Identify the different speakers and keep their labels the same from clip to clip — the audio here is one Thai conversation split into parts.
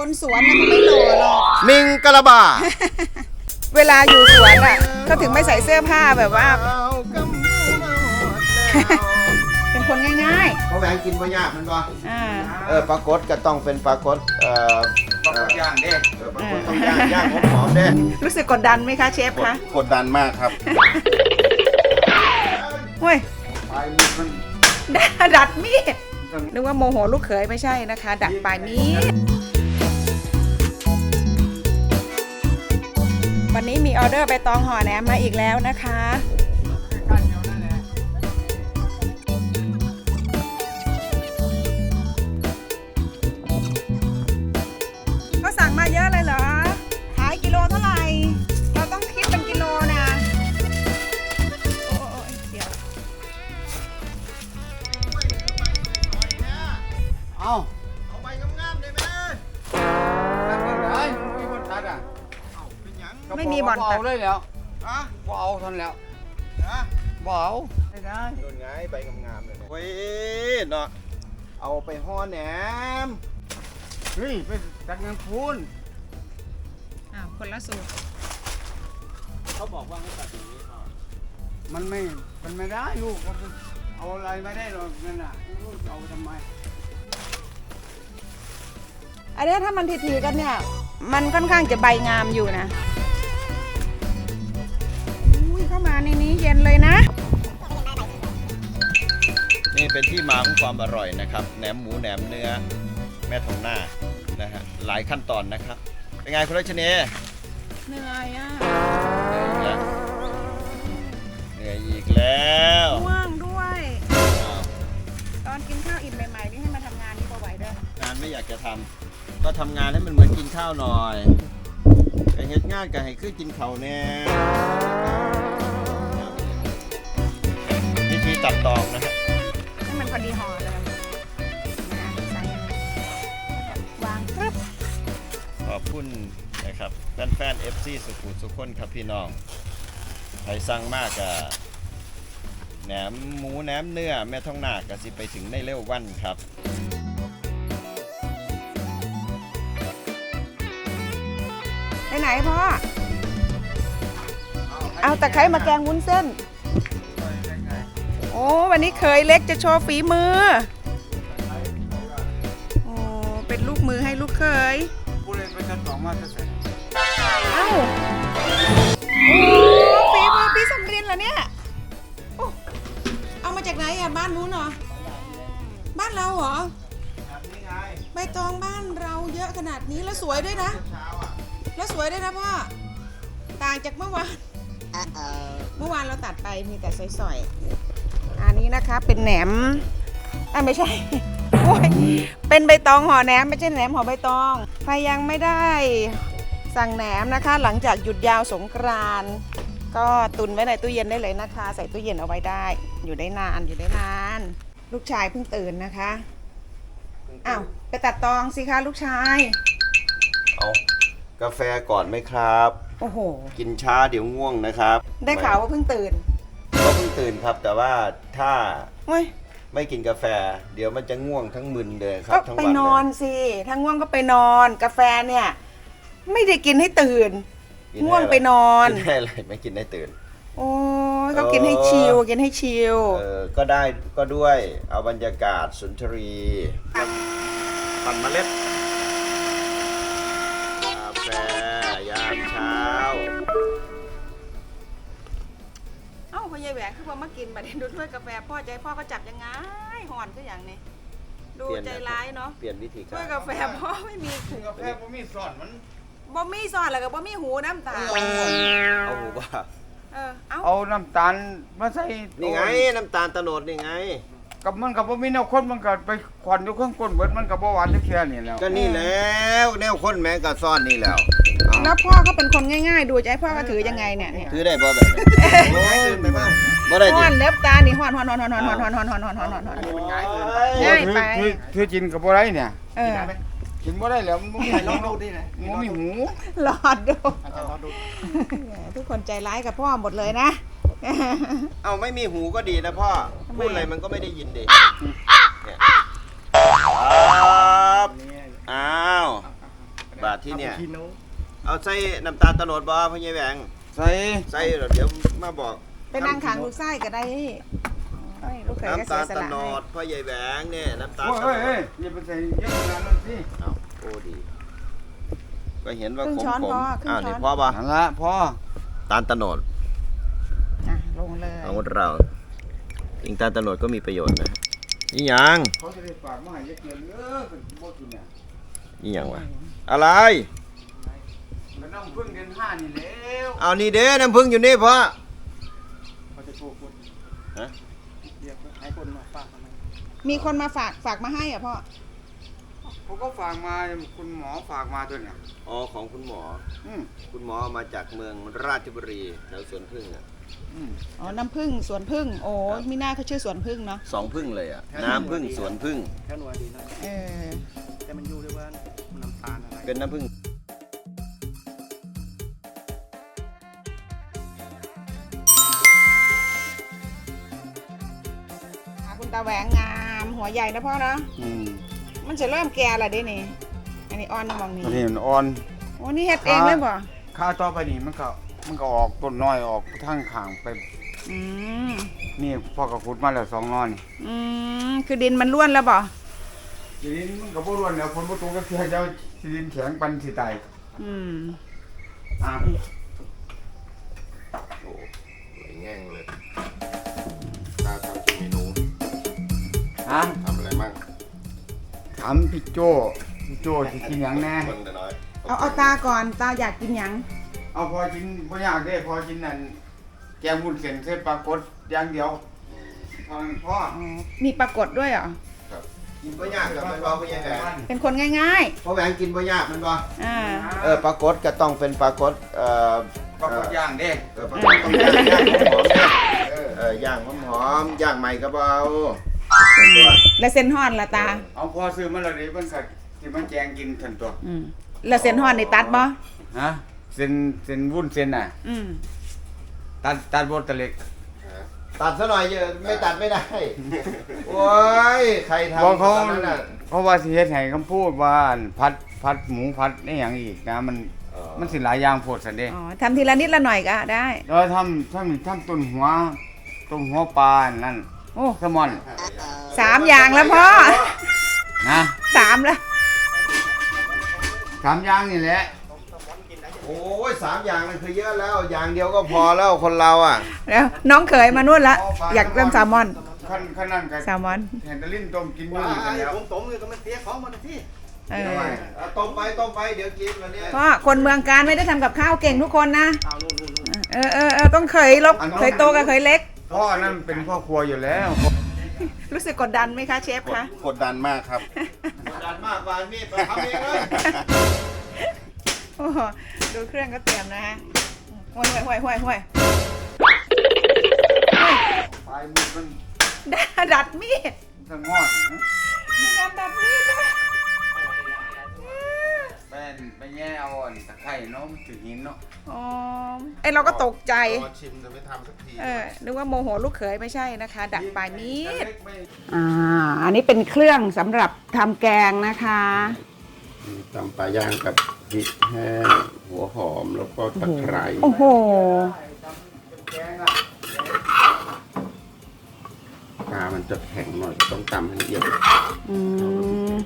Speaker 1: คนสวนนะเขาไม่หล่อหรอก
Speaker 2: มิงกะลาบา
Speaker 1: เวลาอยู่สวนอ่ะก็ถึงไม่ใส่เสื้อผ้าแบบว่า เป็นคนง่าย
Speaker 2: เขาแหวงกินบ่ยากมันบ่
Speaker 1: ๆ
Speaker 2: ปลากดก็ต้องเป็นปลากด
Speaker 3: ปลากดย่างเด้
Speaker 2: ปลากดต้องย่างหอมๆเด้
Speaker 1: รู้สึกกดดันไหมคะเชฟคะ
Speaker 2: กดดันมากครับ
Speaker 1: เฮ้ย
Speaker 3: ปลายมีดมัน
Speaker 1: ดัดมีดนึกว่าโมโหลูกเขยไม่ใช่นะคะ ดัดปลายมีดวันนี้มีออเดอร์ใบตองห่อแหนมมาอีกแล้วนะคะก็สั่งมาเยอะเลยเหรอขายกิโลเท่าไหร่เราต้องคิดเป็นกิโลนะโอ้ยเดี๋ยว
Speaker 3: เอา
Speaker 2: เอาใบงามๆได้ไหม
Speaker 3: ตัดยังไงมีคนตัดอ่ะ
Speaker 2: เป็นหยัง
Speaker 1: ไม่มีบ่อนตั
Speaker 3: เอา
Speaker 1: ด
Speaker 3: เลยแล้ว
Speaker 2: ฮะ
Speaker 3: บ่เอาทันแล้ว
Speaker 2: ฮะ
Speaker 3: บ่เอาไม่ได้
Speaker 2: โดนไงใบงามๆเลยเนี่ยโอ้ยเนาะเอาไปห่อแหนม
Speaker 3: เฮ้ยไปตัดเงินคูณ
Speaker 1: อ้าวคนละสูตร
Speaker 2: เขาบอกว่าให้ตัดอย่างนี้เอา
Speaker 3: มันไม่ได้ลูกเอาอะไรไม่ได้หรอกนั่นน่ะลูกเอาทำไม
Speaker 1: อันนี้ถ้ามันทีๆกันเนี่ย มันค่อนข้างจะใบงามอยู่นะอุ้ยเข้ามาในนี้เย็นเลยนะ
Speaker 2: นี่เป็นที่มาของความอร่อยนะครับแหนมหมูแหนมเนื้อแม่ทองหน้านะฮะหลายขั้นตอนนะครับเป็นไงคุณรัชนี
Speaker 1: เหนื่อยอ่ะ
Speaker 2: เหนื่อยอีกแล้ว
Speaker 1: ง่วงด้วย
Speaker 2: อ้าว
Speaker 1: ตอนกินข้าวอิ่มใหม่ๆนี่ให้มาทำงานนี่พอไหวเด้อง
Speaker 2: านไม่อยากจะทำก็ทำงานให้มันเหมือนกินข้าวหน่อยไอ้เฮ็ดงานกับให้คือกินข้าวแน่วิธีตัดตอกนะฮะ
Speaker 1: ให้มันพอดีห่อเลยนะใส่วางปึ๊บ
Speaker 2: ขอบคุณนะครับแฟนๆ FC สุขุมสุขคนครับพี่น้องใครสั่งมากอะแหนมหมูแหนมเนื้อแม่ท้องหน้าก็สิไปถึงในเร็ววันครับ
Speaker 1: ไปไหนพ่อ เอาตะไคร้มาแกงวุ้นเส้น โอ้วันนี้เคยเล็กจะโชว์ฝีมือ โอ้เป็นลูกมือให้ลูกเคย
Speaker 3: ผู้เล่นไปตัดสองมาจะเสร็จ
Speaker 1: เอ้าโอ้ฝีมือพี่สำรินเหรอเนี่ยโอ้เอามาจากไหนอ่ะบ้านนู้นเหรอ บ้านเราเหรอ
Speaker 2: แบบนี้ไง
Speaker 1: ใบตองบ้านเราเยอะขนาดนี้แล้วสวยด้วยนะ
Speaker 2: เช้าอ่ะ
Speaker 1: แล้วสวยด้วยนะพ่อ ต่างจากเมื่อวาน เมื่อวานเราตัดไปมีแต่สอยๆ อันนี้นะคะเป็นแหนมไม่ใช่ โอ้ยเป็นใบตองห่อแหนมไม่ใช่แหนมห่อใบตองใครยังไม่ได้สั่งแหนมนะคะ หลังจากหยุดยาวสงกรานต์ก็ตุนไว้ในตู้เย็นได้เลยนะคะ ใส่ตู้เย็นเอาไว้ได้ อยู่ได้นานอยู่ได้นาน ลูกชายเพิ่งตื่นนะคะอ้าวไปตัดตองสิคะลูกชาย
Speaker 2: เอากาแฟก่อนไหมครับ
Speaker 1: โอ้โห
Speaker 2: กินช้าเดี๋ยวง่วงนะครับ
Speaker 1: ได้ข่าวว่าเพิ่งตื่น
Speaker 2: ก็เพิ่งตื่นครับ แต่ว่าถ้า
Speaker 1: เฮ้ย
Speaker 2: ไม่กินกาแฟ เดี๋ยวมันจะง่วงทั้งมึนเลยครั
Speaker 1: ก็
Speaker 2: บทั้ง
Speaker 1: ไป
Speaker 2: วัน
Speaker 1: นอนสิถ้าง่วงก็ไปนอน กาแฟเนี่ย ไม่ได้กินให้ตื่น
Speaker 2: กิ
Speaker 1: ง่วงไปนอน
Speaker 2: กินได้อะไรไม่กินได้ตื่น
Speaker 1: โอ้ยเขากินให้ชิลกินให้ชิล
Speaker 2: ก็ได้ก็ด้วยเอาบรรยากาศสุนทรีปั่นเมล็ดกาแฟยามเช้า
Speaker 1: เอ้าพ่อใหญ่แหวนคือว่ามากินมาดูถ้วยกาแฟพ่อใจพ่อก็จับยังไงห่อนก็อย่างนี้ดูใจร้ายเนาะ
Speaker 2: เปลี่ยนวิธีกา
Speaker 1: ถ้วย
Speaker 2: ร
Speaker 1: กาแฟพ่อไม่มีหู
Speaker 3: กาแฟผมมีสอนมัน
Speaker 1: บ่มีซอนแล้วก็บ่มีหูน้ำตาล
Speaker 2: เอาหูว่า
Speaker 1: เอ้า
Speaker 3: เอาน้ำตาลมาใส่
Speaker 2: นี่ไงน้ำตาลตะโนดนี่ไง
Speaker 3: กับมันกับบ่มีแนวคนมันก็ไปควันอยู่ข้างก้นเบิดมันก็บ่หวานจักเทื่อนี่แล้ว
Speaker 2: ก็นี่แล้วแนวคนแม้กะซ่อนนี่แล้วเอา
Speaker 1: แล้วพ่อก็เป็นคนง่ายๆ ดูใจพ่อก็ถือยังไงเนี่ย
Speaker 2: ถือได้บ่แบบนี้โอ้ยตื่นไปบ้างบ่ได้
Speaker 1: ห่
Speaker 2: ดิ
Speaker 1: อนเล็บตานี่ห่อนง่ายไป
Speaker 3: คือกินกับบ่ได้เนี่ย
Speaker 1: เออ
Speaker 3: กินบ่ได้แล้วมันบ่มีลองดูดินะมันบ่มีหู
Speaker 1: หลอดดูทุกคนใจร้ายกับพ่อหมดเลยนะ
Speaker 2: เอาไม่มีหูก็ดีนะพ่อ
Speaker 1: ทำไม
Speaker 2: พูดอะไรมันก็ไม่ได้ยินดิเนี่ยครับอ้าว
Speaker 4: พี่น้อง
Speaker 2: เอาใส่น้ำตาลตะโนดบ่พ่อใหญ่แหวง
Speaker 3: ใส่
Speaker 2: ใส่เดี๋ยวมาบอก
Speaker 1: ไปนั่งขางลูกไส้ก็ได้โอ้ยลูกเขยก็
Speaker 2: น้ำ
Speaker 1: เสี
Speaker 2: ตาย ล
Speaker 1: ส
Speaker 2: ตะ
Speaker 1: ละ
Speaker 2: โน
Speaker 1: ให้
Speaker 2: ดพ่อใหญ่แหวงเนี่ยน้ำตาล
Speaker 3: โอ้ย
Speaker 2: ตะโน
Speaker 3: เฮ้ย
Speaker 2: ด
Speaker 3: อย่าไปใส่เยอะขนาดนั้นสิ
Speaker 2: เอาโอ้ดีก็เห็นว่า
Speaker 1: ครึ่ง
Speaker 2: ขม
Speaker 1: ช้อน
Speaker 2: ผม
Speaker 1: พอครึ่
Speaker 2: อ้าว
Speaker 1: งช้
Speaker 2: นี่
Speaker 1: อน
Speaker 2: พ่อป่ะ
Speaker 3: นั่นละพอ
Speaker 2: ตาลตะโนด
Speaker 1: อ่ะลงเลย
Speaker 2: ของเราจริงตาลตะโนดก็มีประโยชน์นะนี่ยัง
Speaker 3: เขาจะได้ฝากมาให้เยอะเกินเป็นบ่กินเนี่ย
Speaker 2: นี่ยังวะอะไร
Speaker 3: มันต้องพึ่งเดือน5นี่แล้ว
Speaker 2: เอานี่เด้น้ำผึ้งอยู่นี่พ่อ
Speaker 4: เขาจะโทรคน
Speaker 2: ฮะ
Speaker 4: เรียกให้คนมาฝากทำไม
Speaker 1: มีคนมาฝากมาให้อ่ะพ่อ
Speaker 3: เขาก็ฝากมาคุณหมอฝากมาตัวเนี่ย
Speaker 2: อ๋อของคุณหมอ
Speaker 3: อืม
Speaker 2: คุณหมอมาจากเมืองราชบุรีแถวสวนพึ่งอ่ะ
Speaker 3: อืม
Speaker 1: อ๋อน้ำผึ้งสวนผึ้งโอ้มีหน้าเขาชื่อสวนผึ้งเนาะ
Speaker 2: 2 พึ่งเลยอ่ะน้ำพึ่งสวนพึ่ง
Speaker 4: แค่หน่วยดีนะ
Speaker 1: เออ
Speaker 4: แต่มันอยู่ด้วยว่าน้ำตาลอะไร
Speaker 2: เป็นน้ำพึ่ง
Speaker 1: คุณตาแหวงงามหัวใหญ่นะพ่อเนาะ
Speaker 3: อืม
Speaker 1: มันจะเริ่มแก่และเด้นี่อันนี้อ่อนนะมองนี่
Speaker 3: ตัวนี้มันอ่อน
Speaker 1: โอ้นี่เฮ็ดเองเลยบ่
Speaker 3: ข้าวต่อไปนี่มันก็ออกต้นน้อยออกทางข้างไป
Speaker 1: อืม
Speaker 3: นี่พ่อก็ขุดมาแล้ว2นอนี่
Speaker 1: อืมคือดินมันร่วนแล้วบ่
Speaker 3: ทีนี้มันก็บ่รวนแล้วฝนบ่ตกก็คือเจ้าสิดินแข็งปันสิตาย
Speaker 1: อืม
Speaker 3: อ่ะ
Speaker 2: โอ้สวยแง่งเลยตาทำกี่เมนู
Speaker 3: ฮะ
Speaker 2: ทำอะไรบ้าง
Speaker 3: ถามพี่โจสิกินหยังแน่
Speaker 2: คนแต่น้อย
Speaker 1: เอาตาก่อนตาอยากกินหยัง
Speaker 3: เอาพอกินบ่อยากได้พอกินนั่นแกงวุ้นเส้นใส่ปลากดอย่างเดียวพอนั้นพ่อ
Speaker 1: อ๋อมีปรากฏด้วยเหรอ
Speaker 2: กินบ่ยากกับมันบ่พ่อใหญ่แหวง
Speaker 1: เป็นคนง่าย
Speaker 2: พ่อแหวงกินบ่ยากมันบ่
Speaker 1: ๆอ่า
Speaker 2: ปลากดก็ต้องเป็นปลากด
Speaker 3: ปลากดย่างเด้
Speaker 2: ปลากดต้องย่างหอมๆเนี่ยย่างหอมๆย่างใหม่ก็เบา
Speaker 1: แล้วเส้นห่อนละตา
Speaker 3: เอาพอซื้อมาแล้วเด้เพิ่นก็สิมาแกงกินทันตัว
Speaker 1: อืมแล้วเส้นห่อนนี่ตัดบ่
Speaker 3: ฮะเส้นวุ้นเส้นน่ะ
Speaker 1: อืม
Speaker 3: ตัดบดตะเล็ก
Speaker 2: ตัดซะหน่อยเยอะไม่ตัดไม่ได้ โอ้ยใครทำ
Speaker 3: บอกเขา
Speaker 2: ตอนนั้นน่ะ
Speaker 3: เพราะว่าสิเฮ็ดให้คำพูดว่าพัดหมูพัดนี่หยังอีกนะมันสิหลายอย่างโพดซั่นเด้
Speaker 1: อ๋อทำทีละนิดละหน่อยก็ได้
Speaker 3: แล้วทำต้นหัวปลานั่น
Speaker 1: โอ้
Speaker 3: แซลมอน
Speaker 1: 3 อย่างแล้วพ่อ
Speaker 3: นะ
Speaker 1: 3แล้ว
Speaker 3: 3อย่างนี่แหละ
Speaker 2: โอ้ย3 อย่างมันคือเยอะแล้ว อย่างเดียวก็พอแล้วคนเราอ่ะ
Speaker 1: แล้วน้องเขยมานู่นละอยากเริ่มแซลมอน
Speaker 3: ขั้นนั้นก็
Speaker 1: แซลมอน
Speaker 3: แฮนเดลินต้มกินอยู่
Speaker 4: ว่า
Speaker 3: นี่กัน
Speaker 4: ไอ้
Speaker 3: แล้ว
Speaker 4: ผมตมเลยก็มันเสียของมันนะที่
Speaker 1: เออ
Speaker 2: เอาต้มไปเดี๋ยวกินวันเนี้ย
Speaker 1: พ่อคนเมืองการไม่ได้ทำกับข้าวเก่งทุกคนนะ
Speaker 4: เอานู่น
Speaker 1: ต้องเขยลบเขยโตกับเขยเล็ก
Speaker 3: พ่อนั่นเป็นพ่อครัวอยู่แล้ว
Speaker 1: รู้สึกกดดันไหมคะเชฟคะ
Speaker 4: กดดันมากครับ
Speaker 2: กดดันมากวานมีดไปทำเองเลย
Speaker 1: โอ้โหดูเครื่องก็เตรียมนะฮะห่วย
Speaker 3: ปลายมือมัน
Speaker 1: ดัดมีด
Speaker 3: สะงอดนะ
Speaker 1: มีการดัดมีดด้วย
Speaker 3: ไปแย่เอาอ่อนตะไคร่เนาะมันถึงหินเนาะ
Speaker 1: อ๋อไอเราก็ตกใจ
Speaker 4: รอชิมจะไม่ทำสักที
Speaker 1: นึกว่าโมโหลูกเขยไม่ใช่นะคะ ดัดปลายมีด
Speaker 3: เล็กไม่
Speaker 1: อันนี้เป็นเครื่องสำหรับทำแกงนะคะ
Speaker 4: ตำปลาย่างกับพริกแห้งหัวหอมแล้วก็ตะไคร้
Speaker 1: โอ้โห
Speaker 3: แกงอ่ะ
Speaker 4: ปลามันจะแข็งหน่อยต้องตำให้ละเอียด
Speaker 1: อืม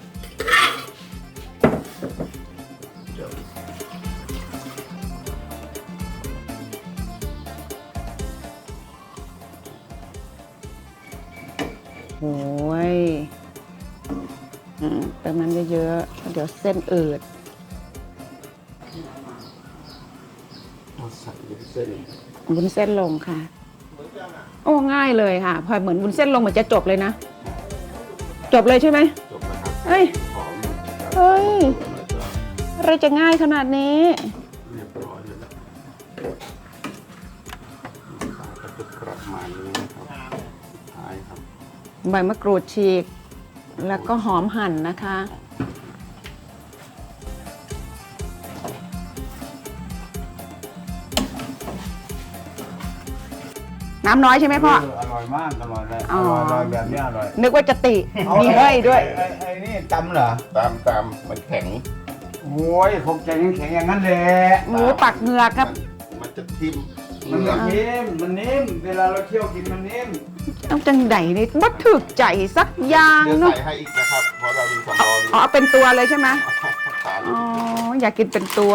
Speaker 4: เดี๋ยว
Speaker 1: โอ้ยเติมน้ำเยอะๆเดี๋ยวเส้นอืด
Speaker 4: เอาใส่เส้น
Speaker 1: วุ้นเส้นลงค่ะ โอ้ง่ายเลยค่ะ พอเหมือนวุ้นเส้นลงเหมือนจะจบเลยนะ จบเลยใช่ไหม
Speaker 4: จบแล้วครับ
Speaker 1: เฮ้ย
Speaker 4: หอม
Speaker 1: เฮ้ย
Speaker 4: แล้วก็
Speaker 1: อะไรจะง่ายขนาดนี้
Speaker 4: เรียบร้อยแล้วปลาก็จะประมาณนี้นะครับสุดท้ายครับ
Speaker 1: ใบมะกรูดฉีก แล้วก็หอมหั่นนะคะ น้ำน้อยใช่ไหมพ่อ
Speaker 3: อร่อยมากอร่อยเลย
Speaker 1: อ๋
Speaker 3: อ
Speaker 1: อ
Speaker 3: ร่อยแบบนี้อร่อย
Speaker 1: นึกว่าจะติ มีเฮ้ยด้วย
Speaker 3: ไอ้นี่ตำเหรอ
Speaker 4: ตามมันแข็ง
Speaker 3: โอ้โอ้ยผมใจแข็งๆอย่างนั้นแหละ
Speaker 1: หมูปักเหงือกครับ
Speaker 4: มันจะทิ่ม
Speaker 3: มันนิ่มมันนิ่มเวลาเราเคี่ยวกินมันนิ่ม
Speaker 1: ต้องจังไดนี่บ่ถึกใจสักอย่าง
Speaker 4: เดี๋ยว
Speaker 1: เนาะ
Speaker 4: ใส่ให้อีกนะครับ เพราะเรามีสำรอง
Speaker 1: อ๋อเป็นตัวเลยใช่ไหม
Speaker 4: ปลา
Speaker 1: อ๋ออยากกินเป็นตัว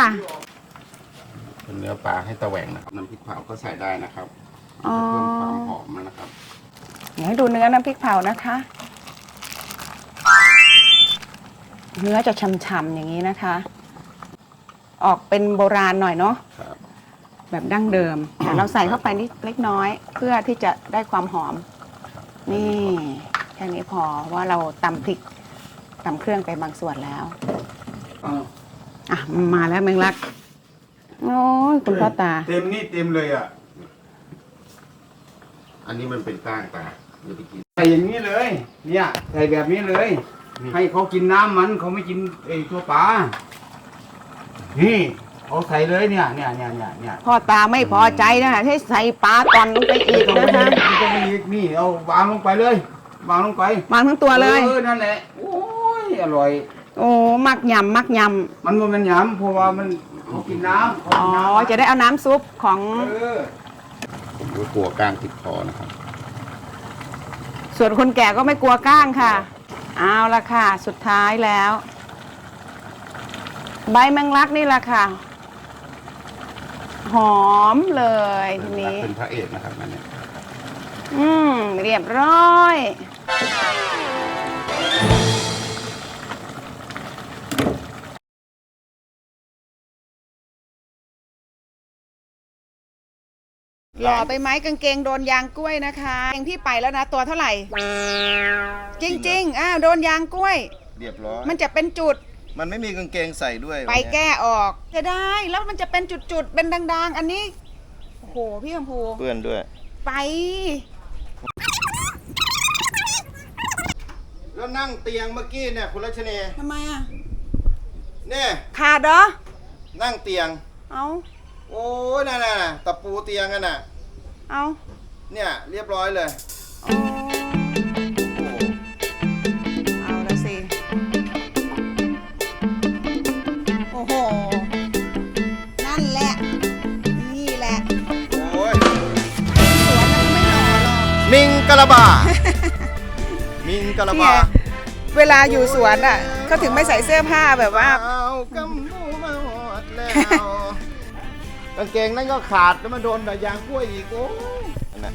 Speaker 4: เป็นเนื้อปลาให้ตะแหวงนะครับน้ำพริกเผาก็ใส่ได้นะครับ
Speaker 1: อ๋อ
Speaker 4: เพิ่มความหอมนะครับ
Speaker 1: เดี๋ยวให้ดูเนื้อน้ำพริกเผานะคะ เนื้อจะฉ่ำๆอย่างนี้นะคะ ออกเป็นโบราณหน่อยเนาะ
Speaker 4: ครับ
Speaker 1: แบบดั้งเดิมเดี๋ยวเราใส่เข้าไปนิดเล็กน้อย เพื่อที่จะได้ความหอม นี่แค่นี้พอว่าเราตำพริกตำเครื่องไปบางส่วนแล้ว อ่ะมาแล้วแมงลัก โอ้ยคุณพ่อตา
Speaker 3: เต็มนี่เต็มเลยอ่ะ
Speaker 4: อันนี้มันเป็นก้างปลาอย่าไปกิน
Speaker 3: ใส่อย่างนี้เลย เนี่ยใส่แบบนี้เลย ให้เขากินน้ำมันเขาไม่กินไอ้ตัวปลา นี่เขาใส่เลยเนี่ย
Speaker 1: พ่อตาไม่พอใจนะให้ใส่ปลาตอนลงไปอีก
Speaker 3: ต้อง
Speaker 1: นะคะ
Speaker 3: ไปอีกนี่เอาวางลงไปเลยวางลงไป
Speaker 1: มาทั้งตัวเลย
Speaker 3: นั่นแหละ โอ้ยอร่อย
Speaker 1: โอ้มักยำมักย
Speaker 3: มันบ่แมันหยำเพราะว่ามันเขากินน้ำเขา
Speaker 1: ำอ๋อ
Speaker 3: กินน้ำ
Speaker 1: จะได้เอาน้ำซุปของ
Speaker 4: ผมก็กลัวก้างติดคอนะครับ
Speaker 1: ส่วนคนแก่ก็ไม่กลัวก้างค่ะ เอาละค่ะ สุดท้ายแล้ว ใบแมงลักนี่แหละค่ะ หอมเลยทีนี้
Speaker 4: เป็นพระเอกนะครับอันนี้
Speaker 1: เรียบร้อย หล่อไปไหมกางเกงโดนยางกล้วยนะคะเองพี่ไปแล้วนะตัวเท่าไหร่ จริงๆโดนยางกล้วย
Speaker 2: เรียบร้อย
Speaker 1: มันจะเป็นจุด
Speaker 2: มันไม่มีกางเกงใส่ด้วย
Speaker 1: ไปแก้ออกจะได้แล้วมันจะเป็นจุดๆเป็นดังๆ อันนี้โอ้โหพี่คำพู
Speaker 2: เปื้อนด้วย
Speaker 1: ไป
Speaker 2: แล้วนั่งเตียงเมื่อกี้เนี่ยคุณรัชเนย
Speaker 1: ทำไมอ่ะ
Speaker 2: เนี่ย
Speaker 1: ขาดเหรอ
Speaker 2: นั่งเตียง
Speaker 1: เอา
Speaker 2: โอ้ยน่ะตะปูเตียงกันน่ะ
Speaker 1: เอา
Speaker 2: เนี่ยเรียบร้อยเลย
Speaker 1: โอ้เอาละสิโอ้โหนั่นแหละนี่แหละ
Speaker 2: โอ้ย
Speaker 1: สวนมันไม่หล่อหรอก
Speaker 2: มิงกะละบา มิงกะละบา
Speaker 1: เวลาอยู่สวนอ่ะเขาถึงไม่ใส่เสื้อผ้าแบบว่า
Speaker 2: เอากำมูมาหอดแล้วกางเกงนั่นก็ขาดแล้วมาโดนแต่ยางกล้วยอีกโอ้ยนั่นน่ะ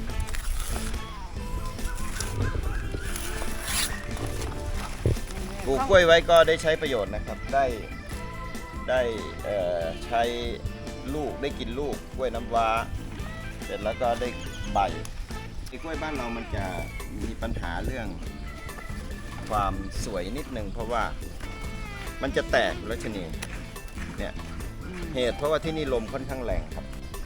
Speaker 2: ปลูกกล้วยไว้ก็ได้ใช้ประโยชน์นะครับ ได้ใช้ลูกได้กินลูกกล้วยน้ำว้าเสร็จแล้วก็ได้ใบไอ้กล้วยบ้านเรามันจะมีปัญหาเรื่องความสวยนิดนึงเพราะว่ามันจะแตกแล้วชนีเนี่ยเหตุเพราะว่าที่นี่ลมค่อนข้างแรงครับ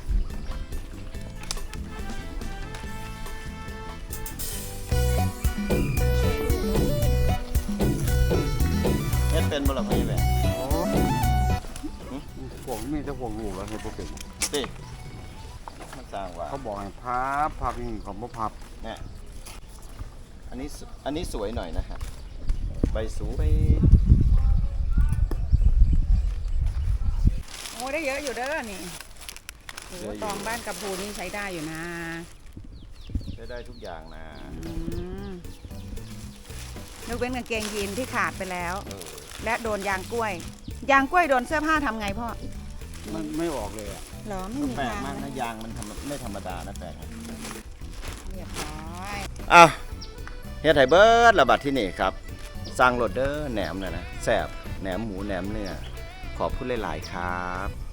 Speaker 2: เฮ็ดเป็นบ่ล่ะพ่อใหญ่แหวน
Speaker 3: พวกมีแต่พวกลูกแล้วให้พวกเป็น
Speaker 2: ติมันสร้างว่า
Speaker 3: เขาบอกให้พับนี่เขาบ่พับ
Speaker 2: เนี่ยอันนี้สวยหน่อยนะฮะใบสูงไป
Speaker 1: โอ้ได้เยอะอยู่เด้อนี่โอ้ตองบ้านกับภูนี่ใช้ได้อยู่นะ
Speaker 2: ได้ทุกอย่างนะ
Speaker 1: ยกเว้นกางเกงยีนที่ขาดไปแล้ว
Speaker 2: เออ
Speaker 1: และโดนยางกล้วย ยางกล้วยโดนเสื้อผ้าทำไงพ่อ
Speaker 3: มันไม่ออกเลยอ่ะ
Speaker 1: หรอไม่มี
Speaker 2: แปลก
Speaker 1: ทาง
Speaker 2: มากนะยางมันไม่ธรรมดานะแปลกนะ
Speaker 1: เรียบร้อย
Speaker 2: อ้าวเฮ็ดไห้เบิร์ดระบาดที่นี่ครับสร้างโรดเดอร์แหนมนะแซ่บแหนมหมูแหนมเนื้อขอบพูดหลายๆครับ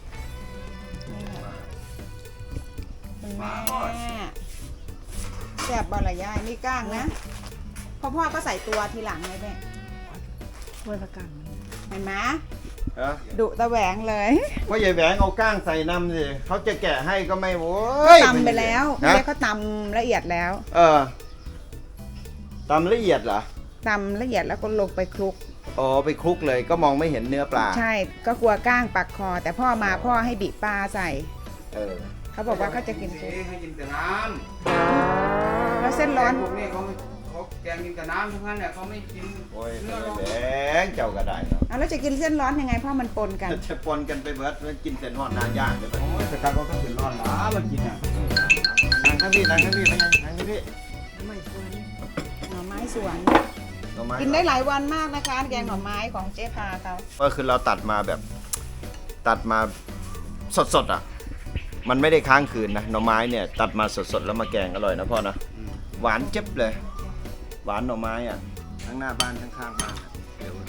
Speaker 1: คุณแม่แซ่บบอลละยายนี่ก้างนะพ่อก็ใส่ตัวทีหลังเลยแม่ถ้วยประกันเห็นไหมดุตะแหวงเลย
Speaker 2: ว่าใหญ่แหวงเอาก้างใส่น้ำสิเขาจะแกะให้ก็ไม่โว้
Speaker 1: ก็
Speaker 2: ย
Speaker 1: ตำไปแล้ว
Speaker 2: ฮะ
Speaker 1: ไม่ได้เขาตำละเอียดแล้ว
Speaker 2: ตำละเอียดเหรอ
Speaker 1: ตำละเอียดแล้วก็ลงไปคลุก
Speaker 2: อ๋อไปคลุกเลยก็มองไม่เห็นเนื้อปลา
Speaker 1: ใช่ก็กลัวก้างปักคอ แต่พ่อมาพ่อให้บีบปลาใส่
Speaker 2: เออ
Speaker 1: เขาบอกว่าเขาจะกินซุป
Speaker 3: ให้กินแต่น้
Speaker 1: แล้วเส้น
Speaker 3: ำ
Speaker 1: ร้อน
Speaker 3: พวกนี้เขาแกงกินแต่น้ำทั้งนั้นแหละเขาไม่กิน
Speaker 2: โอ้ย
Speaker 3: เนื้อร้อน
Speaker 2: แบงเจ้าก็ได้เนาะ
Speaker 1: เอาแล้วจะกินเส้นร้อนยังไงเพราะมันปนกัน
Speaker 2: จะปนกันไปเบิดมันกินเส้นหอดนาย่างได้ปะ
Speaker 3: โอ้ยแต่การเขาต้องเป็นร้อนหลามันกินอ่ะ
Speaker 2: นั่งข้างพี่นั่งข้างพี่ไม่ไงนั่งข้างพี่
Speaker 1: หน่อไม้สวน
Speaker 2: หน่อไม้
Speaker 1: กินได้หลายวันมากนะคะแกงหน่อไม้ของเจ๊พาเขา
Speaker 2: ก็คือเราตัดมาแบบตัดมาสดๆอ่ะ มันไม่ได้ค้างคืนนะหน่อไม้เนี่ยตัดมาสดๆแล้วมาแกงอร่อยนะพ่อนะหวานเจ็บเลย หวานหน่อไม้อ่ะทั้งหน้าบ้านทั้งข้างบ้านอะเดี๋ยว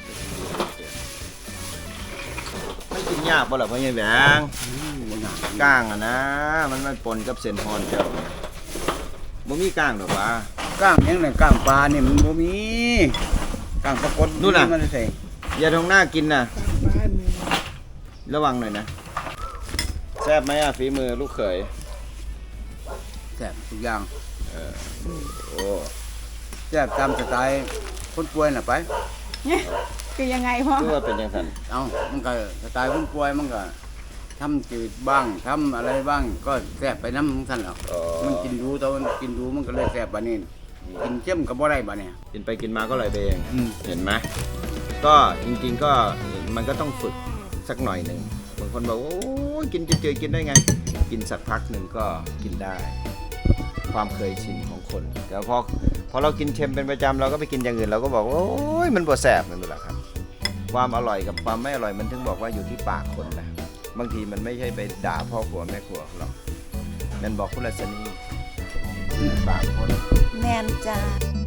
Speaker 2: ไม่กินยากป่ะหรอพ่อใหญ่แหวงก้างอ่ะนะ มันปนกับเส้นฮอนเจ้าบ่มีก้างหรอกวะ
Speaker 3: ก้างยังไงก้างปลาเนี่ยมันบ่มีก้างปลากด
Speaker 2: นู่นน่ะ
Speaker 3: มันใส่
Speaker 2: อย่าทงหน้ากินนะระวังหน่อยนะแซ่บไหมอ่ะฝีมือลูกเขย
Speaker 3: แซ่บทุกอย่าง
Speaker 2: โอ้
Speaker 3: แซ่บตามสไตล์คนป่วยน่ะไป
Speaker 1: คือยังไงพ่อ
Speaker 2: คือว่าเป็นยังไง
Speaker 3: เอามันก็สไตล์คนป่วยมันก็ทำจืดบ้างทำอะไรบ้างก็แซ่บไปน้ำของท่านหรอกมันกินดูแต่มันกินดูมันก็เลยแซ่บบัดนี้กินเข้มก็บ่ได้บัดเนี่ย
Speaker 2: กินไปกินมาก็เลยไปเอง
Speaker 3: อืม
Speaker 2: เห็นไหมก็จริงๆก็มันก็ต้องฝึกสักหน่อยหนึ่งบางคนบอกโอ้ยกินเจอๆกินได้ไง กินสักพักหนึ่งก็กินได้ ความเคยชินของคนแต่พอเรากินเค็มเป็นประจำเราก็ไปกินอย่างอื่นเราก็บอกว่าโอ้ยมันบ่แสบนั่นแหละครับ ความอร่อยกับความไม่อร่อยมันถึงบอกว่าอยู่ที่ปากคนนะบางทีมันไม่ใช่ไปด่าพ่อครัวแม่ครัวหรอกนั่นบอกคุณรัชนีปากคน
Speaker 1: แมนจ้า